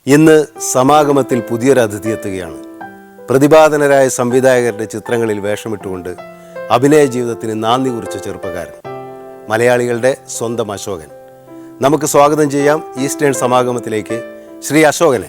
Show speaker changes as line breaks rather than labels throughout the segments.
ഇന്ന് സമാഗമത്തിൽ പുതിയൊരു അതിഥി എത്തുകയാണ്. പ്രതിഭാധനരായ സംവിധായകരുടെ ചിത്രങ്ങളിൽ വേഷമിട്ടുകൊണ്ട് അഭിനയ ജീവിതത്തിന് നാന്ദി കുറിച്ച ചെറുപ്പക്കാരൻ, മലയാളികളുടെ സ്വന്തം അശോകൻ. നമുക്ക് സ്വാഗതം ചെയ്യാം ഈസ്റ്റേൺ സമാഗമത്തിലേക്ക് ശ്രീ അശോകനെ.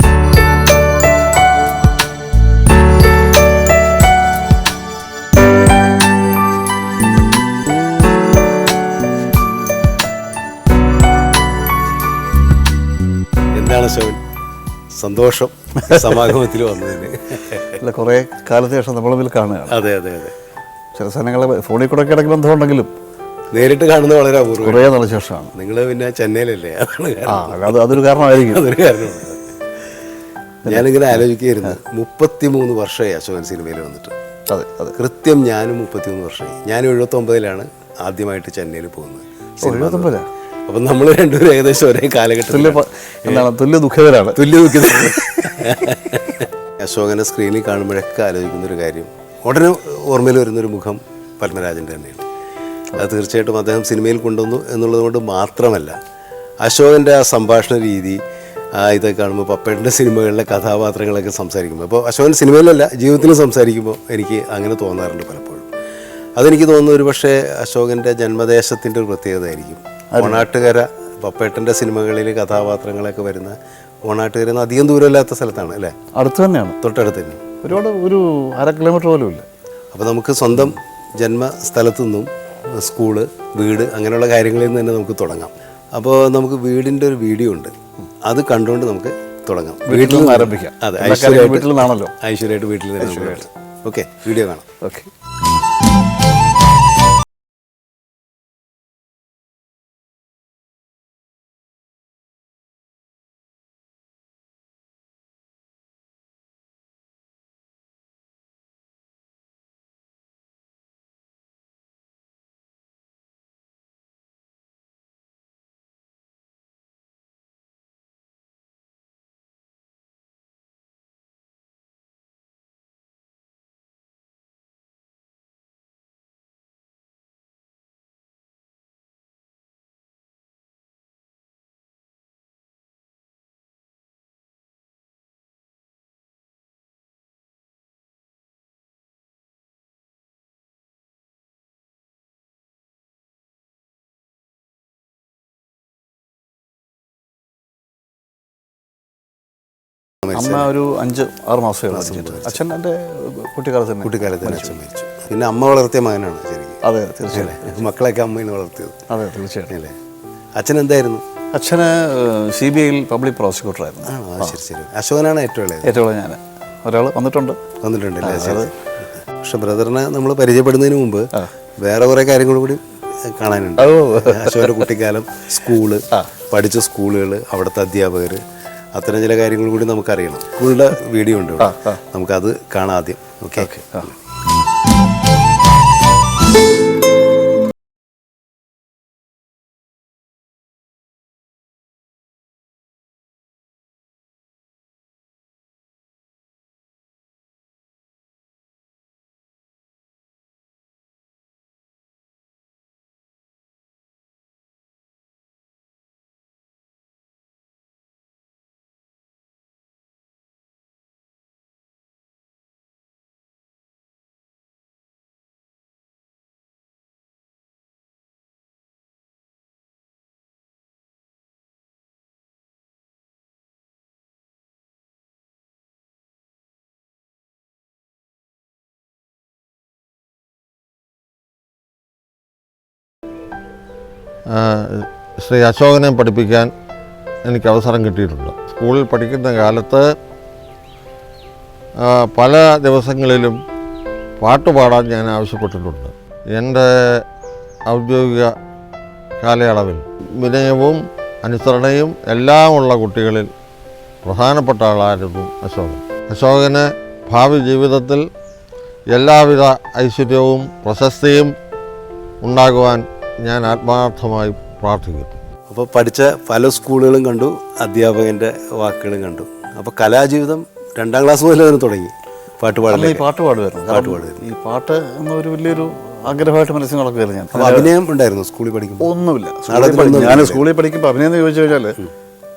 എന്താണ് അശോകൻ, സന്തോഷം സമാഗമത്തിൽ വന്നതിന്?
അല്ല, കുറേ കാലത്തിന് ശേഷം നമ്മൾ തമ്മിൽ കാണുകയാണ്.
അതെ അതെ അതെ.
ചില സ്ഥലങ്ങൾ ഫോണിൽ കൂടെ ഇടയ്ക്ക് ബന്ധമുണ്ടെങ്കിലും
നേരിട്ട് കാണുന്നത് വളരെ അപൂർവം.
കുറേ നാളെ ശേഷമാണ്.
നിങ്ങൾ പിന്നെ ചെന്നൈയിലല്ലേ,
അതൊരു കാരണമായിരിക്കും.
അതൊരു കാരണമാണ്. ഞാനിങ്ങനെ ആലോചിക്കുകയായിരുന്നു, 33 വർഷമായി അശോകൻ സിനിമയിൽ വന്നിട്ട്.
അതെ അതെ,
കൃത്യം ഞാനും 33 വർഷമായി. ഞാൻ 79-ലാണ് ആദ്യമായിട്ട് ചെന്നൈയിൽ പോകുന്നത്.
79?
അപ്പം നമ്മൾ രണ്ടുപേരും ഏകദേശം ഒരേ കാലഘട്ടത്തിൽ
തുല്യ ദുഃഖിതരാണ്.
അശോകനെ സ്ക്രീനിൽ കാണുമ്പോഴൊക്കെ ആലോചിക്കുന്നൊരു കാര്യം, ഉടനെ ഓർമ്മയിൽ വരുന്നൊരു മുഖം പത്മരാജൻ്റെ തന്നെയാണ്. അത് തീർച്ചയായിട്ടും അദ്ദേഹം സിനിമയിൽ കൊണ്ടുവന്നു എന്നുള്ളത് കൊണ്ട് മാത്രമല്ല, അശോകൻ്റെ ആ സംഭാഷണ രീതി, ഇതൊക്കെ കാണുമ്പോൾ പപ്പേട്ടൻ്റെ സിനിമകളിലെ കഥാപാത്രങ്ങളൊക്കെ സംസാരിക്കുമ്പോൾ, അപ്പോൾ അശോകൻ സിനിമയിലല്ല ജീവിതത്തിലും സംസാരിക്കുമ്പോൾ എനിക്ക് അങ്ങനെ തോന്നാറുണ്ട് പലപ്പോഴും. അതെനിക്ക് തോന്നുന്നു ഒരു പക്ഷേ അശോകൻ്റെ ജന്മദേശത്തിൻ്റെ ഒരു പ്രത്യേകതയായിരിക്കും. ഓണാട്ടുകര, പപ്പേട്ടൻ്റെ സിനിമകളിൽ കഥാപാത്രങ്ങളൊക്കെ വരുന്ന ഓണാട്ടുകര അധികം ദൂരമില്ലാത്ത സ്ഥലത്താണ് അല്ലേ?
അടുത്ത് തന്നെയാണ്,
തൊട്ടടുത്ത് തന്നെ,
ഒരുപാട് ഒരു 1/2 കിലോമീറ്റർ പോലും ഇല്ല.
അപ്പോൾ നമുക്ക് സ്വന്തം ജന്മസ്ഥലത്തു നിന്നും സ്കൂള്, വീട്, അങ്ങനെയുള്ള കാര്യങ്ങളിൽ നിന്ന് തന്നെ നമുക്ക് തുടങ്ങാം. അപ്പോൾ നമുക്ക് വീടിൻ്റെ ഒരു വീഡിയോ ഉണ്ട്, അത് കണ്ടുകൊണ്ട് നമുക്ക് തുടങ്ങാം.
വീട്ടിൽ നിന്ന് ആരംഭിക്കാം.
അതെ,
വീട്ടിൽ നിന്നാണല്ലോ.
ഐശ്വര്യമായിട്ട് വീട്ടിൽ നിന്ന്. ഓക്കെ, വീഡിയോ കാണാം.
ഓക്കെ. അമ്മ ഒരു 5-6 മാസമേ. അച്ഛൻ എൻ്റെ കുട്ടിക്കാലത്ത്
തന്നെ അച്ഛൻ മരിച്ചു. പിന്നെ അമ്മ വളർത്തിയ മകനാണ് ശരിക്കും.
അതെ, തീർച്ചയായും.
മക്കളൊക്കെ അമ്മയിന്ന് വളർത്തിയത്.
അതെ, തീർച്ചയായിട്ടും.
അല്ലേ? അച്ഛൻ എന്തായിരുന്നു?
അച്ഛന് CBI പബ്ലിക് പ്രോസിക്യൂട്ടറായിരുന്നു.
ശരി ശരി. അശോകനാണ് ഏറ്റവും ഇളയത്?
ഏറ്റവും ഇളയ ഞാൻ. ഒരാൾ
വന്നിട്ടുണ്ടല്ലേ? പക്ഷെ ബ്രദറിനെ നമ്മൾ പരിചയപ്പെടുന്നതിന് മുമ്പ് വേറെ കുറേ കാര്യങ്ങൾ കൂടി കാണാനുണ്ട്. അശോകൻ്റെ കുട്ടിക്കാലം, സ്കൂള്, പഠിച്ച സ്കൂളുകൾ, അവിടുത്തെ അധ്യാപകർ, അത്തരം ചില കാര്യങ്ങൾ കൂടി നമുക്കറിയണം. സ്കൂളിൻ്റെ വീഡിയോ ഉണ്ട്, നമുക്കത് കാണാം ആദ്യം. ഓക്കെ.
ശ്രീ അശോകനെ പഠിപ്പിക്കാൻ എനിക്ക് അവസരം കിട്ടിയിട്ടുണ്ട്. സ്കൂളിൽ പഠിക്കുന്ന കാലത്ത് പല ദിവസങ്ങളിലും പാട്ടുപാടാൻ ഞാൻ ആവശ്യപ്പെട്ടിട്ടുണ്ട്. എൻ്റെ ഔദ്യോഗിക കാലയളവിൽ വിനയവും അനുസരണയും എല്ലാമുള്ള കുട്ടികളിൽ പ്രധാനപ്പെട്ട ആളായിരുന്നു അശോകൻ. അശോകന് ഭാവി ജീവിതത്തിൽ എല്ലാവിധ ഐശ്വര്യവും പ്രശസ്തിയും ഉണ്ടാകുവാൻ ഞാൻ ആത്മാർത്ഥമായി പ്രാർത്ഥിക്കുന്നു.
അപ്പോൾ പഠിച്ച പല സ്കൂളുകളും കണ്ടു, അധ്യാപകൻ്റെ വാക്കുകളും കണ്ടു. അപ്പോൾ കലാജീവിതം 2ാം ക്ലാസ് മുതൽ തന്നെ തുടങ്ങി.
പാട്ട് പാടുമായിരുന്നു. ഈ പാട്ട് എന്നൊരു വലിയൊരു ആഗ്രഹമായിട്ട് മനസ്സിൽ നടക്കുകയായിരുന്നു ഞാൻ.
അപ്പോൾ അഭിനയം ഉണ്ടായിരുന്നു സ്കൂളിൽ പഠിക്കുമ്പോൾ?
ഒന്നുമില്ല. ഞാൻ സ്കൂളിൽ പഠിക്കുമ്പോൾ അഭിനയം എന്ന് ചോദിച്ചു കഴിഞ്ഞാൽ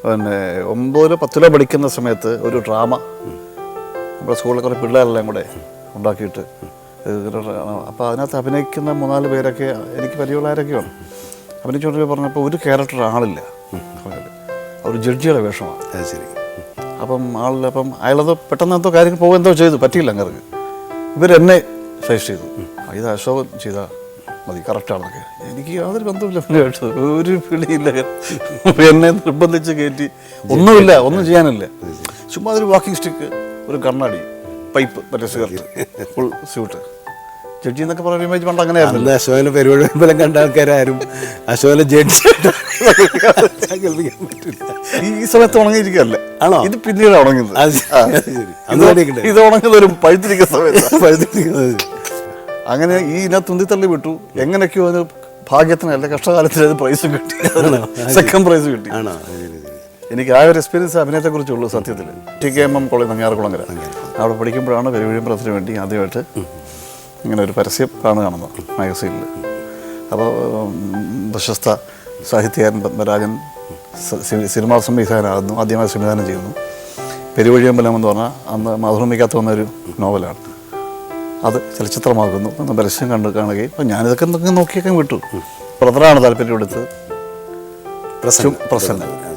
പിന്നെ 9 10 പഠിക്കുന്ന സമയത്ത് ഒരു ഡ്രാമ നമ്മുടെ സ്കൂളിലെ കുറേ പിള്ളേരെല്ലാം കൂടെ ഉണ്ടാക്കിയിട്ട് അപ്പോൾ അതിനകത്ത് അഭിനയിക്കുന്ന 3-4 പേരൊക്കെ എനിക്ക് പരിചയമുള്ളവരൊക്കെയാണ്. അഭിനയിച്ചുകൊണ്ട് പറഞ്ഞപ്പോൾ ഒരു ക്യാരക്ടർ ആളില്ല, ഒരു ജഡ്ജിയുടെ വേഷമാണ്.
അത് ശരി.
അപ്പം ആളില്ല. അപ്പം അയാളത് പെട്ടെന്ന് എന്തോ കാര്യങ്ങൾ പോകുമെന്തോ ചെയ്തു, പറ്റിയില്ല അങ്ങനെ. ഇവരെന്നെ സജസ്റ്റ് ചെയ്തു, ഇത് അശോകൻ ചെയ്താൽ മതി, കറക്റ്റാണെന്നൊക്കെ. എനിക്ക് യാതൊരു ബന്ധമില്ല കേട്ടത്, ഒരു പിടിയില്ല. എന്നെ നിർബന്ധിച്ച് കയറ്റി, ഒന്നുമില്ല, ഒന്നും ചെയ്യാനില്ല. ചുമ്മാ ഒരു വാക്കിംഗ് സ്റ്റിക്ക്, ഒരു കണ്ണാടി, പൈപ്പ്, മറ്റേ സിഗരറ്റ്, ഫുൾ സ്യൂട്ട്. ജഡ്ജി എന്നൊക്കെ പറയുന്ന ഇമേജ് പണ്ട് അങ്ങനെ ആയിരുന്നു.
അശോകനെ പരിപാടി ഫലം കണ്ട ആൾക്കാരും അശോകനെ ജഡ്ജി കേൾപ്പിക്കാൻ പറ്റില്ല.
ഈ സമയത്ത് ഉണങ്ങിയിരിക്കുകയല്ലേ?
ആണോ?
ഇത് പിന്നീട് ഉണങ്ങുന്നത്. ഇത് ഉണങ്ങുന്നത് ഒരു പഴുത്തിരിക്കുന്ന സമയത്ത്. അങ്ങനെ ഈ ഇതിനകത്ത് തുന്തിത്തള്ളി വിട്ടു. എങ്ങനെയൊക്കെയോ അതിന് ഭാഗ്യത്തിനല്ല കഷ്ടകാലത്തിൽ അത് പ്രൈസും കിട്ടി, സെക്കൻഡ് പ്രൈസ് കിട്ടി. എനിക്ക് ആ ഒരു എക്സ്പീരിയൻസ് അഭിനയത്തെക്കുറിച്ചുള്ളൂ സത്യത്തിൽ. TKMM കോളേജ് നങ്ങ്യാർകുളങ്ങര, അവിടെ പഠിക്കുമ്പോഴാണ് പെരുവഴിയമ്പലത്തിന് വേണ്ടി ആദ്യമായിട്ട് ഇങ്ങനെ ഒരു പരസ്യം കാണുന്നത് മാഗസീനിൽ. അപ്പോൾ പ്രശസ്ത സാഹിത്യകാരൻ പത്മരാജൻ സിനിമാ സംവിധാനമാകുന്നു, ആദ്യമായി സംവിധാനം ചെയ്യുന്നു. പെരുവഴിയമ്പലം എന്ന് പറഞ്ഞാൽ അന്ന് മാതൃഭൂമിക്കകത്ത് വന്നൊരു നോവലാണ്. അത് ചലച്ചിത്രമാകുന്നു എന്ന പരസ്യം കാണുകയും അപ്പം ഞാനിതൊക്കെ നോക്കിയൊക്കെ വിട്ടു. ബ്രദറാണ് താല്പര്യം എടുത്ത്, പ്രസന്ന.